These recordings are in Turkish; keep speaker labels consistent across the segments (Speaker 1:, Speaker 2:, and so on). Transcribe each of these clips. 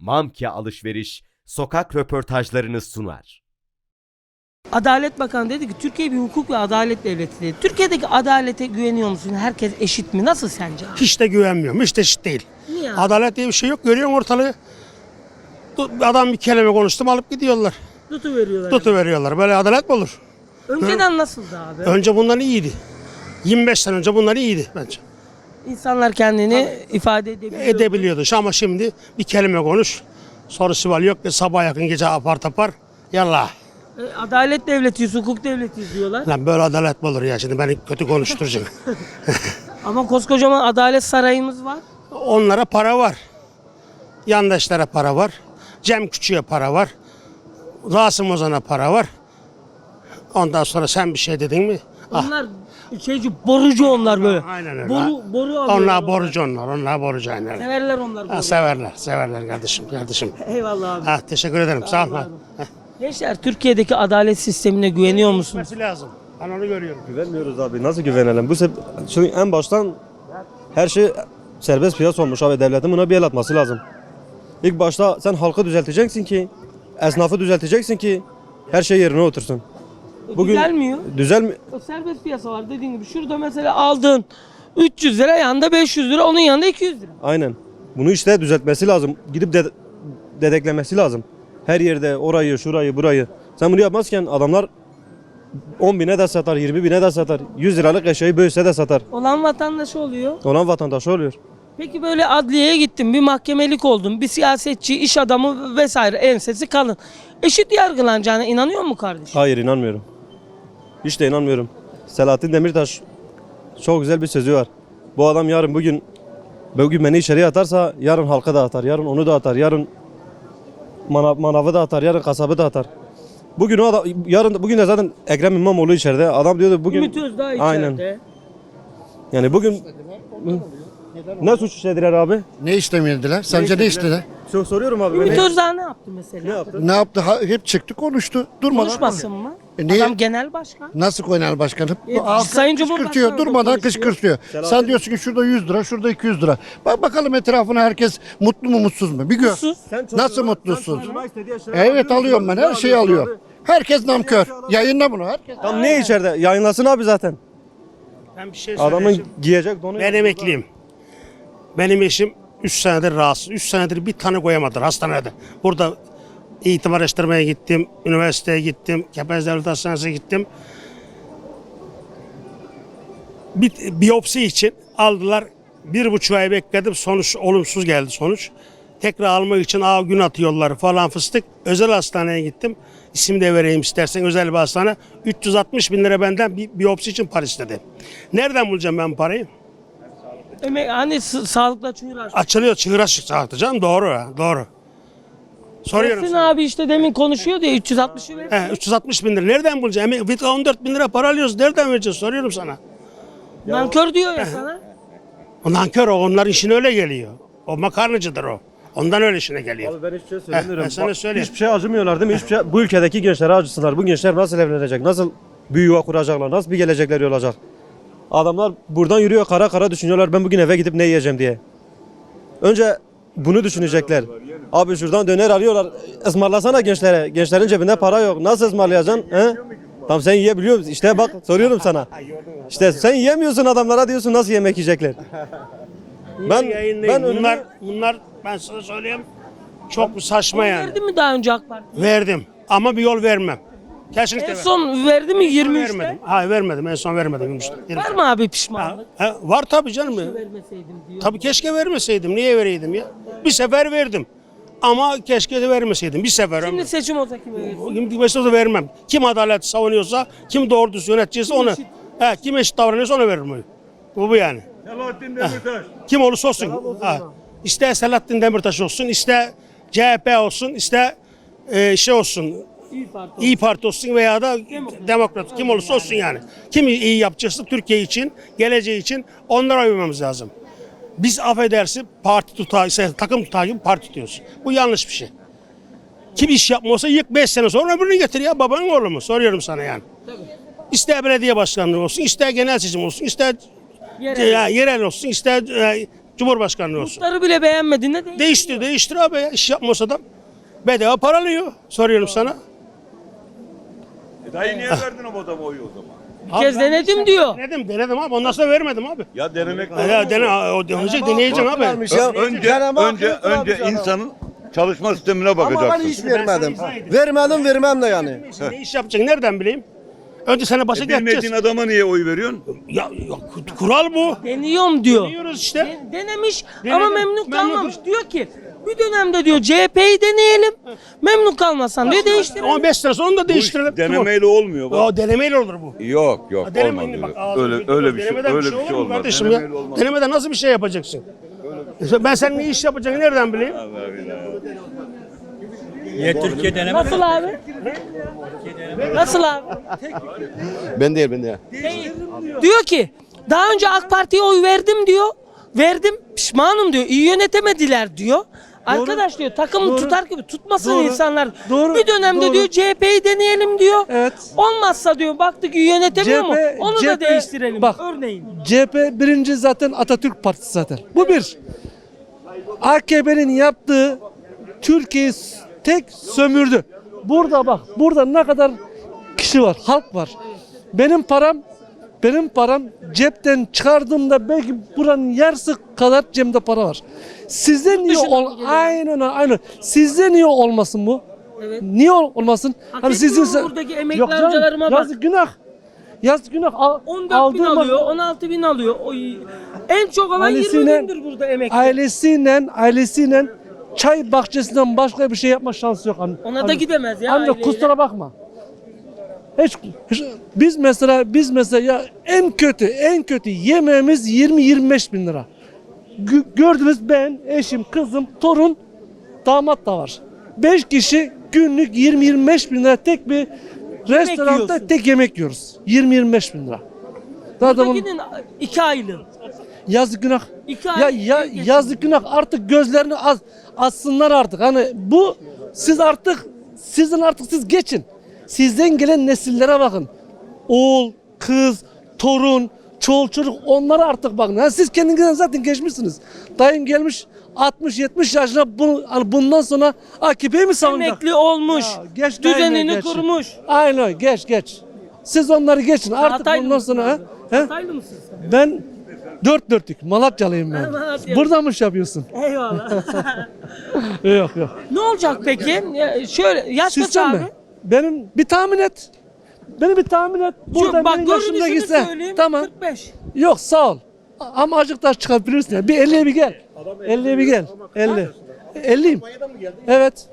Speaker 1: Mamke Alışveriş sokak röportajlarını sunar.
Speaker 2: Adalet Bakanı dedi ki Türkiye bir hukuk ve adalet devleti dedi. Türkiye'deki adalete güveniyor musun? Herkes eşit mi? Nasıl sence?
Speaker 3: Hiç de güvenmiyorum. Hiç de eşit değil.
Speaker 2: Niye?
Speaker 3: Adalet diye bir şey yok. Görüyorsun ortalığı. Adam bir kelime konuştum alıp gidiyorlar.
Speaker 2: Tutuveriyorlar.
Speaker 3: Tutuveriyorlar. Böyle adalet mi olur?
Speaker 2: Önceden nasıldı abi?
Speaker 3: Önce bundan iyiydi. 25 sene önce bunlar iyiydi bence.
Speaker 2: İnsanlar kendini ifade edebiliyor.
Speaker 3: Edebiliyordu. Ama şimdi bir kelime konuş. Sorusu var yok. Sabah yakın gece apar tapar. Yallah.
Speaker 2: Adalet devletiyiz, hukuk devletiyiz diyorlar.
Speaker 3: Lan böyle adalet mi olur ya? Şimdi beni kötü konuşturacaksın.
Speaker 2: Ama koskocaman adalet sarayımız var.
Speaker 3: Onlara para var. Yandaşlara para var. Cem Küçük'e para var. Rasim Ozan'a para var. Ondan sonra sen bir şey dedin mi?
Speaker 2: Onlar borucu onlar böyle.
Speaker 3: Aynen öyle.
Speaker 2: Boru alıyorlar.
Speaker 3: Onlar borucu onlar. Onlar borucu aynen.
Speaker 2: Severler onlar boru.
Speaker 3: Severler kardeşim.
Speaker 2: Eyvallah abi.
Speaker 3: Ha, teşekkür ederim. Sağ ol.
Speaker 2: Gençler Türkiye'deki adalet sistemine güveniyor musunuz?
Speaker 3: Gitmesi lazım. Ben onu görüyorum.
Speaker 4: Güvenmiyoruz abi. Nasıl güvenelim? Çünkü en baştan her şey serbest piyasa olmuş abi. Devletin buna bir el atması lazım. İlk başta sen halkı düzelteceksin ki, esnafı düzelteceksin ki her şey yerine otursun.
Speaker 2: Düzelmiyor.
Speaker 4: Düzelmiyor.
Speaker 2: O serbest piyasa var dediğin gibi. Şurada mesela aldın 300 lira, yanında 500 lira, onun yanında 200 lira.
Speaker 4: Aynen. Bunu işte düzeltmesi lazım. Gidip dedeklemesi lazım. Her yerde orayı, şurayı, burayı. Sen bunu yapmazken adamlar 10 bine de satar, 20 bine de satar. 100 liralık eşyayı bölse de satar.
Speaker 2: Olan vatandaş oluyor.
Speaker 4: Olan vatandaş oluyor.
Speaker 2: Peki böyle adliyeye gittin, bir mahkemelik oldun, bir siyasetçi, iş adamı vesaire ensesi kalın. Eşit yargılanacağına inanıyor mu kardeşim?
Speaker 4: Hayır, inanmıyorum. Hiç de inanmıyorum. Selahattin Demirtaş çok güzel bir sözü var. Bu adam bugün beni içeriye atarsa yarın halka da atar, yarın onu da atar, yarın manavı da atar, yarın kasabı da atar. Bugün de zaten Ekrem İmamoğlu içeride. Adam diyordu bugün.
Speaker 2: Ümit Özdağ içeride.
Speaker 4: Aynen. Yani bugün ne suç işlediler abi?
Speaker 5: Ne istemediler? Sence ne istediler?
Speaker 4: Soruyorum abi.
Speaker 2: Ümit Özdağ ne yaptı mesela?
Speaker 4: Ne yaptı?
Speaker 5: Ne yaptı? Hep çıktı konuştu. Durmadan.
Speaker 2: Konuşmasın mı?
Speaker 5: Niye?
Speaker 2: Adam genel başkan.
Speaker 5: Nasıl genel başkanım?
Speaker 2: Sayın
Speaker 5: Kışkırtıyor,
Speaker 2: Cumhurbaşkanı da
Speaker 5: durmadan
Speaker 2: konuşuyor.
Speaker 5: kışkırtıyor. Sen diyorsun ki şurada 100 lira, şurada 200 lira. Bak bakalım etrafına herkes mutlu mu mutsuz mu? Bir gör.
Speaker 2: Mutsuz.
Speaker 5: Nasıl mutsuzsun? Evet alıyorum ben, her şeyi alıyorum. Herkes namkör. Yayınla bunu herkes.
Speaker 4: Tam ne içeride? Yayınlasın abi zaten.
Speaker 3: Ben bir şey
Speaker 4: Adamın
Speaker 3: söyleyeyim.
Speaker 4: giyecek donu.
Speaker 3: Ben emekliyim. Benim eşim 3 senedir rahatsız. 3 senedir bir tane koyamadılar hastanede. Burada eğitim araştırmaya gittim, üniversiteye gittim, Kepez Devlet Hastanesi'ne gittim. Bir biyopsi için aldılar. 1,5 ay bekledim. Sonuç olumsuz geldi sonuç. Tekrar almak için gün atıyorlar falan fıstık. Özel hastaneye gittim. İsim de vereyim istersen, özel bir hastane. 360 bin lira benden bir biyopsi için para istedi. Nereden bulacağım ben parayı?
Speaker 2: Hani sağlıkla çığır açtı.
Speaker 3: Açılıyor, çığır açtı canım, doğru. Soruyorum
Speaker 2: Ersin
Speaker 3: sana.
Speaker 2: abi işte demin konuşuyor diye 360'ı ver.
Speaker 3: 360 bin lira nereden bulacağım? 14 bin lira para alıyoruz, nereden vereceğiz? Soruyorum sana.
Speaker 2: Nankör diyor ya sana.
Speaker 3: O nankör o, onların işine öyle geliyor. O makarnacıdır o. Ondan öyle işine geliyor.
Speaker 4: Abi ben hiçbir şey söylemiyorum.
Speaker 3: ben sana söyleyeyim.
Speaker 4: Hiçbir şey acımıyorlar değil mi? Hiçbir şey, bu ülkedeki gençlere acısınlar. Bu gençler nasıl evlenecek? Nasıl bir yuva kuracaklar? Nasıl bir gelecekleri olacak? Adamlar buradan yürüyor, kara kara düşünüyorlar. Ben bugün eve gidip ne yiyeceğim diye. Önce bunu düşünecekler. Abi şuradan döner arıyorlar. Ismarlasana gençlere. Gençlerin cebinde para yok. Nasıl ısmarlayacaksın? He? Tam sen yiyebiliyor musun? İşte bak soruyorum sana. İşte sen yiyemiyorsun, adamlara diyorsun nasıl yemek yiyecekler. Ben
Speaker 3: Bunlar ben sana söyleyeyim çok saçma yani.
Speaker 2: Verdi mi daha önce AK Parti?
Speaker 3: Verdim ama bir yol vermem. Kesinlikle
Speaker 2: En
Speaker 3: vermem.
Speaker 2: son verdi mi 23'te?
Speaker 3: Vermedim. Hayır vermedim. En son vermedim.
Speaker 2: Var mı abi pişmanlık?
Speaker 3: Var tabii canım.
Speaker 2: Vermeseydim diyor.
Speaker 3: Tabii keşke vermeseydim. Niye vereydim ya? Bir sefer verdim. Ama keşke de vermeseydim. Bir sefer.
Speaker 2: Şimdi seçim olsa kime verirsin?
Speaker 3: Şimdi mesela da vermem. Kim adalet savunuyorsa, kim doğru düz yöneticiyse onu. Kim eşit davranıyorsa ona veririm. Bu yani.
Speaker 4: Selahattin Demirtaş.
Speaker 3: Kim olursa olsun. İster Selahattin Demirtaş olsun, ister CHP olsun, ister şey olsun. İyi Parti olsun veya da Demokrat. Kim olursa olsun yani. Kim iyi yapacaksa Türkiye için, geleceği için onlara uymamız lazım. Biz affedersin parti tutağı, takım tutağı gibi parti tutuyoruz. Bu yanlış bir şey. Kim iş yapmıyorsa yık 5 sene sonra öbürünü getir ya, babanın oğlu mu? Soruyorum sana yani. İster belediye başkanlığı olsun, ister genel seçim olsun, ister yerel olsun, ister Cumhurbaşkanlığı olsun.
Speaker 2: Muhtarı bile beğenmediğinde
Speaker 3: Değiştir abi ya. İş yapmasa da bedava para alıyor. Soruyorum sana.
Speaker 6: Dayı niye verdin o adama oyu o zaman?
Speaker 2: bir kez denedim diyor.
Speaker 3: Denedim abi. Ondan sonra vermedim abi.
Speaker 6: Ya denemek
Speaker 3: Ya deneyeceksin abi.
Speaker 6: Önce insanın çalışma sistemine
Speaker 7: Ama ben
Speaker 6: bakacaksın.
Speaker 7: hiç vermedim.
Speaker 3: izah edeyim.
Speaker 7: Vermem de yani.
Speaker 3: Ne iş yapacaksın? Nereden bileyim? Önce sana başa
Speaker 6: Bilmediğin
Speaker 3: geçeceğiz.
Speaker 6: adama niye oy veriyorsun?
Speaker 3: Ya, kural bu.
Speaker 2: Deniyorum diyor.
Speaker 3: Deniyoruz işte.
Speaker 2: Denemiş
Speaker 3: Denedim.
Speaker 2: ama memnun
Speaker 3: Memnun
Speaker 2: kalmamış. Diyor ki bir dönemde diyor CHP'yi deneyelim. Memnun kalmazsan diyor değiştirelim.
Speaker 3: Ama 5 sene sonra onu da değiştirelim.
Speaker 6: Denemeyle olmuyor bak.
Speaker 3: O denemeyle olur bu.
Speaker 6: Yok
Speaker 3: Denemeyin
Speaker 6: olmaz.
Speaker 3: bak.
Speaker 6: Öyle bir şey
Speaker 3: Denemeden
Speaker 6: öyle bir
Speaker 3: olur
Speaker 6: şey
Speaker 3: mu
Speaker 6: olmaz.
Speaker 3: kardeşim ya.
Speaker 6: Denemeyle olmaz.
Speaker 3: Denemeden nasıl bir şey yapacaksın? Ben senin ne iş yapacağını nereden bileyim?
Speaker 2: Nasıl abi? Nasıl abi?
Speaker 7: Ben değil.
Speaker 2: Diyor ki daha önce AK Parti'ye oy verdim diyor. Verdim pişmanım diyor. İyi yönetemediler diyor. Arkadaş diyor takımı tutar gibi tutmasın insanlar.
Speaker 8: Doğru.
Speaker 2: Bir dönemde
Speaker 8: Doğru.
Speaker 2: diyor CHP'yi deneyelim diyor.
Speaker 8: Evet.
Speaker 2: Olmazsa diyor baktık iyi yönetemiyor mu? Onu da
Speaker 8: CHP
Speaker 2: değiştirelim.
Speaker 8: bak.
Speaker 2: Örneğin.
Speaker 8: CHP birinci zaten Atatürk Partisi zaten. Bu bir. AKP'nin yaptığı Türkiye'yi tek sömürdü. Burada bak, burada ne kadar kişi var, halk var. Benim param cepten çıkardığımda belki buranın yarısı kadar cebimde para var. Sizde niye
Speaker 2: dışından mı geliyor?
Speaker 8: aynen. Sizde niye olmasın bu?
Speaker 2: Evet.
Speaker 8: Niye olmasın?
Speaker 2: Hak etmiyor mu buradaki emekli
Speaker 8: Yok canım,
Speaker 2: amcalarıma bak.
Speaker 8: yazık günah. Yazık günah.
Speaker 2: 14 bin
Speaker 8: Aldığım-
Speaker 2: alıyor, 16 bin alıyor. Oy. En çok alan 20 bindir burada emekli.
Speaker 8: Ailesiyle çay bahçesinden başka bir şey yapma şansı yok.
Speaker 2: Ona da gidemez ya
Speaker 8: Ancak
Speaker 2: aileyle.
Speaker 8: kusura bakma. Hiç biz mesela ya en kötü yemeğimiz 20-25 bin lira. Gördünüz ben, eşim, kızım, torun, damat da var. 5 kişi günlük 20-25 bin lira tek bir restoranda
Speaker 2: yiyorsun.
Speaker 8: tek yemek yiyoruz. 20-25 bin lira. Daha da
Speaker 2: Buradakinin 2 aylığı.
Speaker 8: yazık günah.
Speaker 2: İki
Speaker 8: Ya,
Speaker 2: ay
Speaker 8: ya
Speaker 2: geçin.
Speaker 8: yazık günah artık gözlerini açsınlar artık. Hani bu sizin artık siz geçin. Sizden gelen nesillere bakın. Oğul, kız, torun, çocuk onlara artık bakın. Yani siz kendinizden zaten geçmişsiniz. Dayım gelmiş 60-70 yaşına bundan sonra AKP'yi mi savunacak?
Speaker 2: Emekli olmuş.
Speaker 8: Ya, geç
Speaker 2: düzenini
Speaker 8: geç.
Speaker 2: kurmuş.
Speaker 8: Aynen geç. Siz onları geçin. Artık
Speaker 2: Hataylı
Speaker 8: bundan
Speaker 2: mısın
Speaker 8: sonra
Speaker 2: abi?
Speaker 8: he?
Speaker 2: Hataylı mısın sen?
Speaker 8: Ben dört dörtlük Malatyalıyım ben.
Speaker 2: Malatyalısın.
Speaker 8: Burada mı iş yapıyorsun?
Speaker 2: Eyvallah.
Speaker 8: Yok.
Speaker 2: Ne olacak peki? Şöyle yaş kaç
Speaker 8: Sistem
Speaker 2: abi?
Speaker 8: mi? Benim bir tahmin et. Burada
Speaker 2: Bak
Speaker 8: benim yaşımda
Speaker 2: görünüşünü
Speaker 8: gitse.
Speaker 2: söyleyeyim.
Speaker 8: Tamam.
Speaker 2: 45.
Speaker 8: Yok sağ ol. Ama azıcık daha çıkabilirsin ya. Bir 50'ye bir gel. 50'ye bir gel. 50. 50'yim. Evet.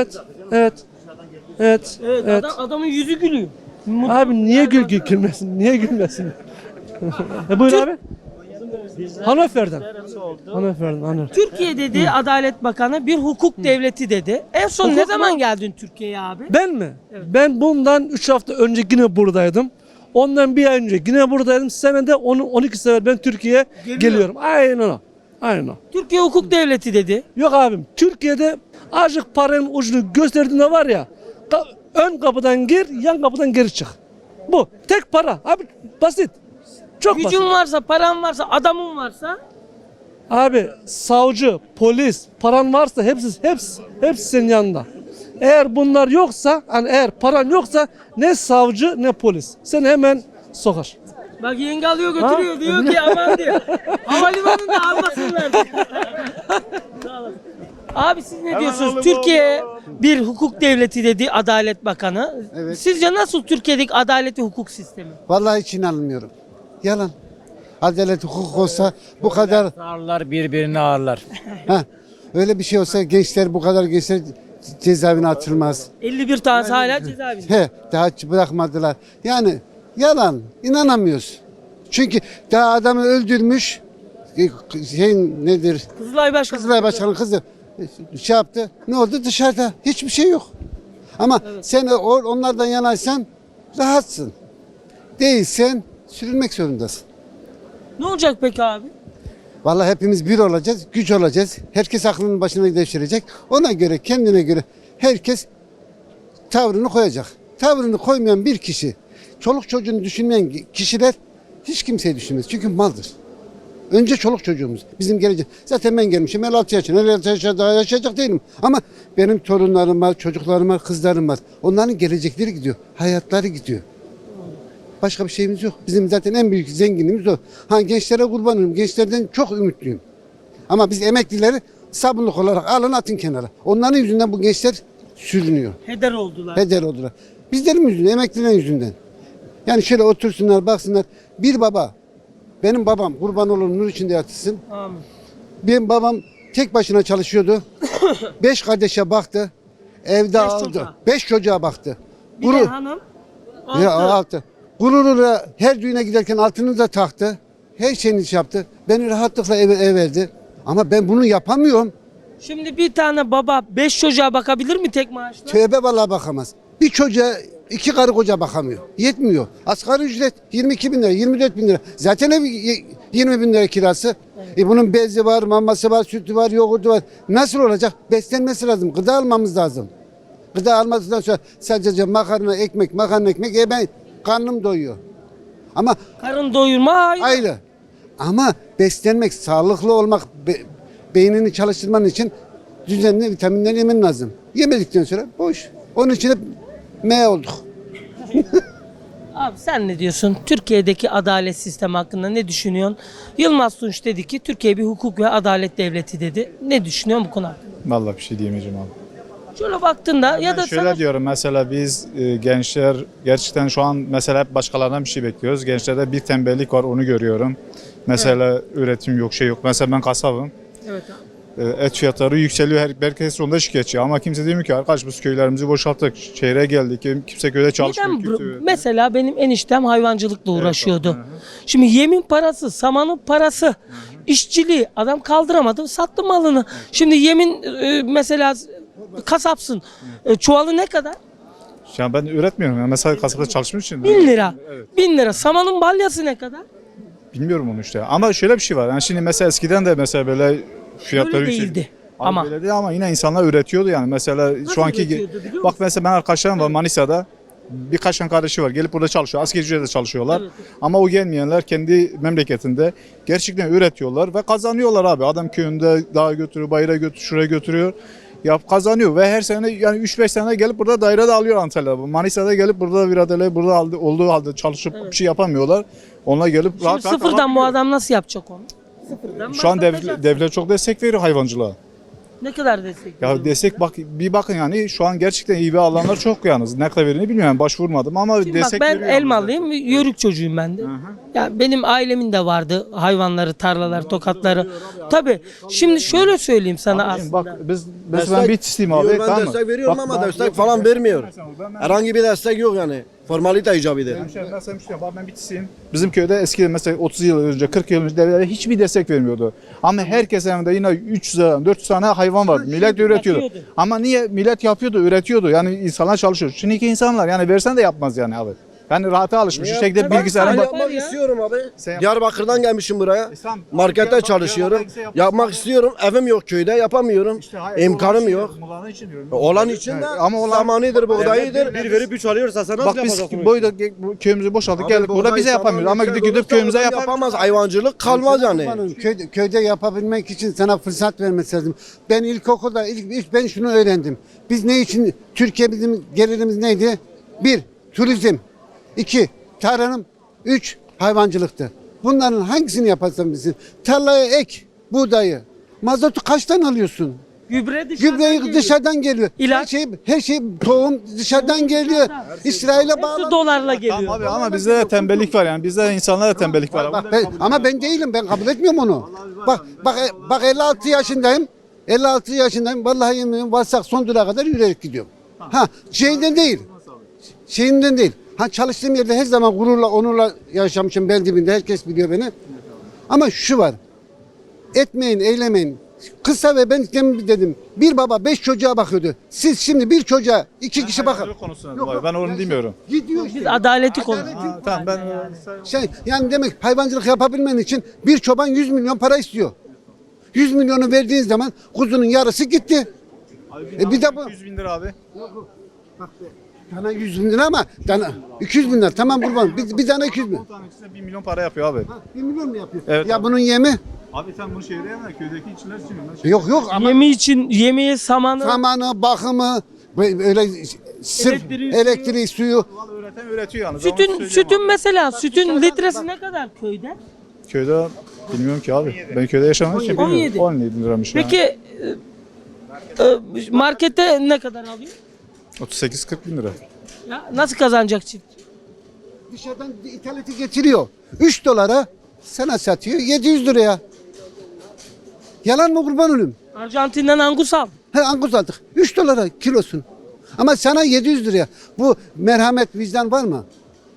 Speaker 2: Evet. Adamın yüzü gülüyor.
Speaker 8: Abi niye gülmesin? Niye gülmesin? Buyur abi. Hanöfer'den. Hanöfer'den.
Speaker 2: Türkiye dedi Adalet Bakanı bir hukuk devleti dedi. En son ne
Speaker 8: Hukuk
Speaker 2: zaman
Speaker 8: mu?
Speaker 2: geldin Türkiye'ye abi?
Speaker 8: Ben mi? Ben bundan 3 hafta önce yine buradaydım. Ondan bir ay önce yine buradaydım. Senede 12 sefer ben Türkiye'ye geliyorum. Aynen o.
Speaker 2: Türkiye hukuk devleti dedi.
Speaker 8: Yok abim. Türkiye'de azıcık paranın ucunu gösterdiğinde var ya ön kapıdan gir, yan kapıdan geri çık. Bu. Tek para. Abi basit. Çok basit.
Speaker 2: Gücün varsa, paran varsa, adamın varsa
Speaker 8: Abi savcı, polis, paran varsa hepsi senin yanında. Eğer bunlar yoksa, hani eğer paran yoksa ne savcı ne polis. Seni hemen sokar.
Speaker 2: bak yenge alıyor götürüyor diyor ki aman diyor. Havalimanında almasınlar diyor. Sağ olasın. Abi siz ne diyorsunuz? Türkiye bir hukuk devleti dedi Adalet Bakanı.
Speaker 9: Evet.
Speaker 2: Sizce nasıl Türkiye'deki adalet ve hukuk sistemi?
Speaker 9: Vallahi hiç inanmıyorum. Yalan. Adalet hukuk olsa bu kadar
Speaker 10: Ağırlar birbirini ağırlar.
Speaker 9: öyle bir şey olsa gençler bu kadar gençler cezaevine atılmaz.
Speaker 2: 51 tanesi hala cezaevinde.
Speaker 9: Daha hiç bırakmadılar. Yani yalan. İnanamıyoruz. Çünkü daha adamı öldürmüş nedir?
Speaker 2: Kızılay Başkanı.
Speaker 9: Kızılay Başkanı kızı şey yaptı. Ne oldu? Dışarıda. Hiçbir şey yok. Ama sen onlardan yanaysan rahatsın. Değilsen sürülmek zorundasın.
Speaker 2: Ne olacak peki abi?
Speaker 9: Vallahi hepimiz bir olacağız, güç olacağız. Herkes aklının başına devşirecek. Ona göre, kendine göre herkes tavrını koyacak. Tavrını koymayan bir kişi, çoluk çocuğunu düşünmeyen kişiler hiç kimseyi düşünmez. Çünkü maldır. Önce çoluk çocuğumuz. Bizim gelecek. Zaten ben gelmişim 56 yaşına. 56 yaşında daha yaşayacak değilim. Ama benim torunlarım var, çocuklarım var, kızlarım var. Onların gelecekleri gidiyor. Hayatları gidiyor. Başka bir şeyimiz yok. Bizim zaten en büyük zenginliğimiz o. Ha, gençlere kurbanım. Gençlerden çok ümitliyim. Ama biz emeklileri sabunluk olarak alın atın kenara. Onların yüzünden bu gençler sürünüyor.
Speaker 2: Heder oldular.
Speaker 9: Heder oldular. Bizlerin yüzünden, emeklilerin yüzünden. Yani şöyle otursunlar, baksınlar. Bir baba, benim babam kurban olur nur içinde yatırsın.
Speaker 2: Amin.
Speaker 9: Benim babam tek başına çalışıyordu. 5 kardeşe baktı. Evde aldı.
Speaker 2: çocuğa.
Speaker 9: 5 çocuğa baktı.
Speaker 2: Bir de hanım.
Speaker 9: Ya,
Speaker 2: altı.
Speaker 9: altı. Gururuyla her düğüne giderken altını da taktı. Her şeyini yaptı. Beni rahatlıkla eve verdi. Ama ben bunu yapamıyorum.
Speaker 2: Şimdi bir tane baba 5 çocuğa bakabilir mi tek maaşla?
Speaker 9: Tövbe vallahi bakamaz. Bir çocuğa 2 karı koca bakamıyor. Yetmiyor. Asgari ücret 22 bin lira, 24 bin lira. Zaten ev 20 bin lira kirası. Bunun bezi var, maması var, sütü var, yoğurdu var. Nasıl olacak? Beslenmesi lazım. Gıda almamız lazım. Gıda almasından sonra sadece makarna, ekmek, ben karnım doyuyor. Ama
Speaker 2: Karın doyurma ayrı.
Speaker 9: ayrı. Ama beslenmek, sağlıklı olmak, beynini çalıştırman için düzenli vitaminler yemen lazım. Yemedikten sonra boş. Onun için hep M olduk.
Speaker 2: Abi sen ne diyorsun? Türkiye'deki adalet sistemi hakkında ne düşünüyorsun? Yılmaz Tunç dedi ki Türkiye bir hukuk ve adalet devleti dedi. Ne düşünüyorsun bu konu hakkında?
Speaker 11: Vallahi bir şey diyemeyeceğim abi.
Speaker 2: Şöyle baktığında ya da
Speaker 11: Ben şöyle
Speaker 2: sana
Speaker 11: diyorum mesela biz gençler gerçekten şu an mesela hep başkalarından bir şey bekliyoruz. Gençlerde bir tembellik var onu görüyorum. Mesela üretim yok şey yok. Mesela ben kasabım.
Speaker 2: evet abi.
Speaker 11: Et fiyatları yükseliyor. Herkes onda şikayetçi. Ama kimse demiyor ki arkadaş biz köylerimizi boşalttık. Şehre geldik. Kimse köyde çalışmıyor.
Speaker 2: Neden
Speaker 11: Kimse
Speaker 2: mesela benim eniştem hayvancılıkla uğraşıyordu.
Speaker 11: Hı hı.
Speaker 2: Şimdi yemin parası, samanın parası, işçiliği adam kaldıramadı, sattı malını. Şimdi yemin mesela kasapsın. Çuvalı ne kadar?
Speaker 11: Yani ben üretmiyorum. Yani mesela kasabada çalışmak için.
Speaker 2: 1000 lira.
Speaker 11: Evet.
Speaker 2: 1000 lira. Samanın balyası ne kadar?
Speaker 11: Bilmiyorum onu işte. Ama şöyle bir şey var. Yani şimdi mesela eskiden de mesela böyle fiyatları
Speaker 2: Öyle
Speaker 11: yüksek-
Speaker 2: değildi.
Speaker 11: Abi
Speaker 2: Ama
Speaker 11: böyle değil ama yine insanlar üretiyordu yani. Mesela şu anki
Speaker 2: üretiyordu biliyor musun?
Speaker 11: bak mesela ben arkadaşlarım var Manisa'da. Birkaç tane kardeşi var. Gelip burada çalışıyor. Asgari ücretle çalışıyorlar.
Speaker 2: Evet.
Speaker 11: Ama o gelmeyenler kendi memleketinde gerçekten üretiyorlar ve kazanıyorlar abi. Adam köyünde dağa götürüyor, bayıra götürüyor, şuraya götürüyor. Kazanıyor ve her sene yani 3-5 sene gelip burada daire de alıyor Antalya'da. Manisa'da gelip burada bir adayla burada olduğu halde çalışıp bir şey yapamıyorlar. Onlar gelip
Speaker 2: Şimdi
Speaker 11: rahat
Speaker 2: sıfırdan bu
Speaker 11: alabiliyor.
Speaker 2: adam nasıl yapacak onu? Sıfırdan
Speaker 11: Şu an
Speaker 2: başlatacak.
Speaker 11: devlet çok destek veriyor hayvancılığa.
Speaker 2: Ne kadar destek?
Speaker 11: Ya destek bak bir bakın yani şu an gerçekten iyi bir alanlar çok yalnız. Ne kadar verildiğini bilmiyorum. Başvurmadım ama
Speaker 2: Şimdi bak
Speaker 11: destek
Speaker 2: ben
Speaker 11: veriyor. yalnız.
Speaker 2: Elmalıyım, yörük çocuğuyum ben de. Ya benim ailemin de vardı hayvanları, tarlalar, tokatları. Tabii. Şimdi şöyle söyleyeyim sana aslında.
Speaker 11: Bak biz mesela ben bir isteyeyim abi.
Speaker 7: Ben
Speaker 11: Tamam mı?
Speaker 7: destek veriyorum
Speaker 11: Bak,
Speaker 7: ama
Speaker 11: ben-
Speaker 7: destek falan vermiyor. Herhangi bir destek yok yani. Formalite icabıdır.
Speaker 11: Ben bitisiyim. Bizim köyde eskiden mesela 30 yıl önce 40 yıl önce devlet hiçbir destek vermiyordu. Ama herkes evinde yine 300 tane 400 tane hayvan vardı. Millet üretiyordu.
Speaker 2: yapıyordu.
Speaker 11: Ama niye millet yapıyordu, üretiyordu. Yani insanlar çalışıyor. Şimdiki insanlar yani versen de yapmaz yani abi. Yani rahata alışmış. Şu şekilde
Speaker 2: Tabii.
Speaker 11: bilgisayarın
Speaker 2: Ben
Speaker 11: bak.
Speaker 7: Yapmak
Speaker 2: ya.
Speaker 7: istiyorum abi.
Speaker 11: Sen yap-
Speaker 7: Diyarbakır'dan gelmişim buraya.
Speaker 11: Tamam.
Speaker 7: Markette
Speaker 11: Bak,
Speaker 7: çalışıyorum.
Speaker 11: ya, bak,
Speaker 7: Yapmak istiyorum. Evim yok köyde yapamıyorum. İmkanım yok. Olan için de
Speaker 11: Ama olan
Speaker 7: zamanıdır, buğdayıdır.
Speaker 4: Bir verip 3 alıyorsa sen nasıl
Speaker 11: bak biz
Speaker 4: yapacaksın?
Speaker 11: boyda bu köyümüzü boşalttık geldik. Burada bize yapamıyoruz. Ama gidip köyümüze yapamıyoruz.
Speaker 7: yapamaz. Hayvancılık kalmaz yani.
Speaker 9: Köyde yapabilmek için sana fırsat vermesi lazım. Ben ilkokulda ilk ben şunu öğrendim. Biz ne için Türkiye bizim gelirimiz neydi? 1. Turizm. 2. Tarım. 3. Hayvancılıktı. Bunların hangisini yaparsan bilsin. Tarlaya ek buğdayı. Mazotu kaçtan alıyorsun?
Speaker 2: Gübre dışarıdan
Speaker 9: Gübreyi
Speaker 2: geliyor.
Speaker 9: dışarıdan geliyor.
Speaker 2: İlaç.
Speaker 9: Her şey tohum dışarıdan geliyor. İsrail'e
Speaker 2: Hepsi
Speaker 9: bağlı.
Speaker 2: dolarla geliyor.
Speaker 11: Tamam abi ama bizde de tembellik var yani. Bizde insanlarda tembellik var.
Speaker 9: Bak ama ben değilim. Ben kabul etmiyorum onu. Bak 56 yaşındayım. 56 yaşındayım. Vallahi yemin varsak son durağa kadar yürüyerek gidiyorum. Ha şeyinden değil. Şeyinden değil. Ha çalıştığım yerde her zaman gururla, onurla yaşamışım bel dibinde. Herkes biliyor beni. Ama şu var. Etmeyin, eylemeyin. Kısa ve ben demin dedim. Bir baba 5 çocuğa bakıyordu. Siz şimdi bir çocuğa 2 kişi bakın.
Speaker 11: Ben onu demiyorum.
Speaker 9: Gidiyor
Speaker 2: Biz
Speaker 9: işte.
Speaker 2: adaleti konuşuyoruz.
Speaker 11: Tamam ben
Speaker 9: Yani demek hayvancılık yapabilmen için bir çoban 100 milyon para istiyor. 100 milyonu verdiğin zaman kuzunun yarısı gitti. Bir de bu.
Speaker 11: 100 bin lira abi.
Speaker 9: Dana 100 bin lira ama dana 200 bin lira. Tamam kurban. Bir tane 200 bin.
Speaker 11: 10 tanesi 1 milyon para yapıyor abi.
Speaker 9: 1 milyon mu yapıyor?
Speaker 11: Evet
Speaker 9: Ya
Speaker 11: abi.
Speaker 9: bunun yemi?
Speaker 11: Abi sen bunu şehre yeme, köydeki işçiler için.
Speaker 9: Yok ama
Speaker 2: Yemi için yemeği samanı.
Speaker 9: zamanı, bakımı, öyle sırf elektriği, suyu.
Speaker 11: Üreten üretiyor yani.
Speaker 2: Sütün mesela sütün litresi ne kadar köyde?
Speaker 11: Köyde bilmiyorum ki abi. Ben köyde yaşamadığım için
Speaker 2: 17.
Speaker 11: bilmiyorum. 17 liramış yani.
Speaker 2: Peki markette ne kadar alıyor?
Speaker 11: 38-40 bin lira.
Speaker 2: Ya nasıl kazanacak çift?
Speaker 9: Dışarıdan ithalatı getiriyor. 3 dolara sana satıyor 700 liraya. Yalan mı kurban olayım?
Speaker 2: Arjantin'den angus al.
Speaker 9: He angus aldık. 3 dolara kilosun. Ama sana 700 liraya. Bu merhamet, vicdan var mı?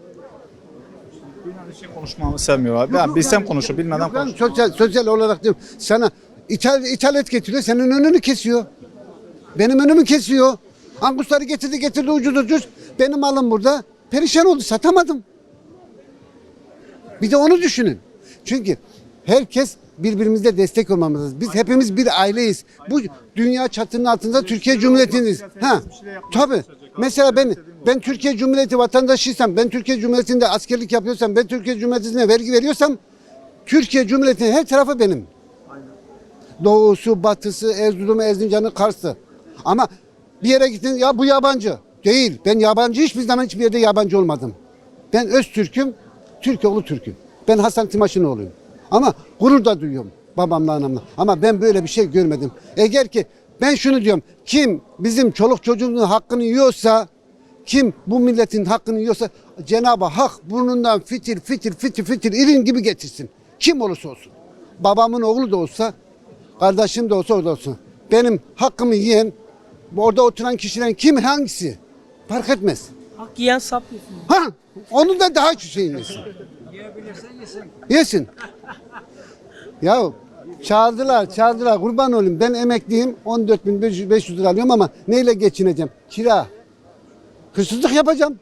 Speaker 11: Bir şey konuşmamı sevmiyor abi. Ben bilsem konuşur, bilmeden
Speaker 9: Yok lan,
Speaker 11: konuşur.
Speaker 9: sosyal olarak diyorum. Sana ithalat getiriyor, senin önünü kesiyor. Benim önümü kesiyor. Angusları getirdi ucuz. Benim malım burada. Perişan oldu, satamadım. Bir de onu düşünün. Çünkü herkes birbirimize destek olmamız lazım. Biz hepimiz bir aileyiz. Bu dünya çatının altında Türkiye Cumhuriyeti'niz. Ha, tabii. Mesela ben Türkiye Cumhuriyeti vatandaşıysam, ben Türkiye Cumhuriyeti'nde askerlik yapıyorsam, ben Türkiye Cumhuriyeti'ne vergi veriyorsam, Türkiye Cumhuriyeti'nin her tarafı benim. Doğusu, batısı, Erzurum'u, Erzincan'ı, Kars'ı. Ama bir yere gittin, ya bu yabancı. Değil. Ben yabancı hiçbir zaman hiçbir yerde yabancı olmadım. Ben Öztürk'üm, Türkoğlu Türk'üm. Ben Hasan Timaşinoğlu'yum. Ama gurur da duyuyorum babamla anamla. Ama ben böyle bir şey görmedim. Eğer ki ben şunu diyorum. Kim bizim çoluk çocuğumuzun hakkını yiyorsa, kim bu milletin hakkını yiyorsa Cenab-ı Hak burnundan fitil irin gibi getirsin. Kim olursa olsun. Babamın oğlu da olsa, kardeşim de olsa o da olsun. Benim hakkımı yiyen, orada oturan kişilerin kim hangisi? Fark etmez.
Speaker 2: Hak yiyen sap yesin.
Speaker 9: Ha, onun da daha şeyin yesin. Yesin. Ya çağırdılar kurban olayım. Ben emekliyim 14.500 lira alıyorum ama neyle geçineceğim? Kira. Hırsızlık yapacağım.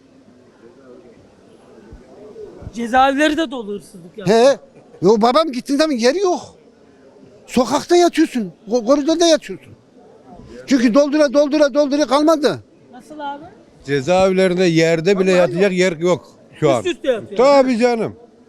Speaker 2: Cezaevleri de dolu hırsızlık ya.
Speaker 9: He. Yo babam gittiğin zaman yeri yok. Sokakta yatıyorsun. Koridorda yatıyorsun. Çünkü doldura kalmadı.
Speaker 2: Nasıl abi?
Speaker 5: Cezaevlerinde yerde bile yatacak yer yok şu an.
Speaker 2: Üst üste yatıyor.
Speaker 5: Tabii canım.